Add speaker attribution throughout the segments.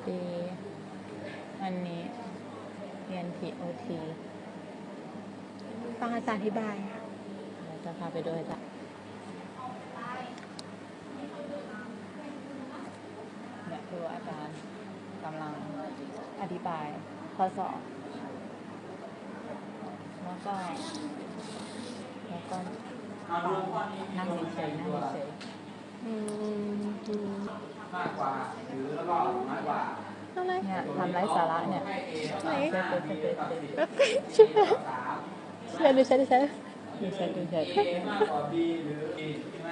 Speaker 1: ดีอันนี้เรียน TOT
Speaker 2: ฟังอาจารย์อธิบาย
Speaker 1: เราจะพาไปด้วยจ้ะเนี่ยคืออาจารย์กำลังอธิบายข้อสอบแล้วก็นั่งเฉยๆ
Speaker 3: มากกว่าหรือแล้วก็น้อยกว่า
Speaker 2: อะไร
Speaker 1: เนี่ยทำไร้สาระเนี่ย
Speaker 2: ไหน
Speaker 1: เช็ด
Speaker 2: ช่วยดูใช่
Speaker 1: ดูเช็ด
Speaker 3: A มากกว่า B หรือ A ใช่ไหม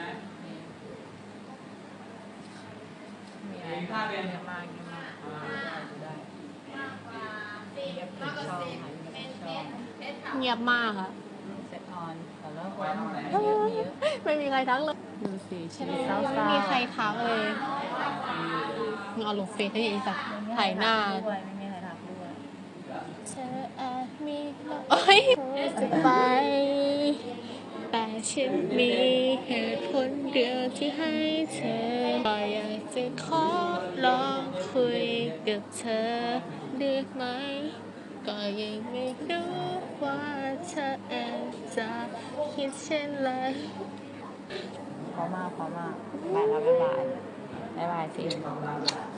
Speaker 1: มีอะไรค่าเรียนเยอะมากได้เงียบผิดช่องค่ะเงียบช่อง
Speaker 2: เงียบมากอะ
Speaker 1: เซตออนแต่แล้วคนมีเยอะ
Speaker 2: ไม่มีใครทักเลย
Speaker 1: ดูสิชีวิตเศร้า
Speaker 2: ไม่มีใครทักเลยมึงเอาลงเฟซให้อีสักถ่ายหน้า
Speaker 1: ด้วยไม่มีใครทักด้วย
Speaker 2: เธออาจมีโอ้ยจะไป แต่ฉันมีเหตุผลเดียวที่ให้เธอก็อยากจะขอลองคุยกับเธอได้ไหม ก็ยังไม่รู้ว่าเธอเองจะคิดเช่นไร
Speaker 1: พอมากไปแล้วบ๊ายบายสิ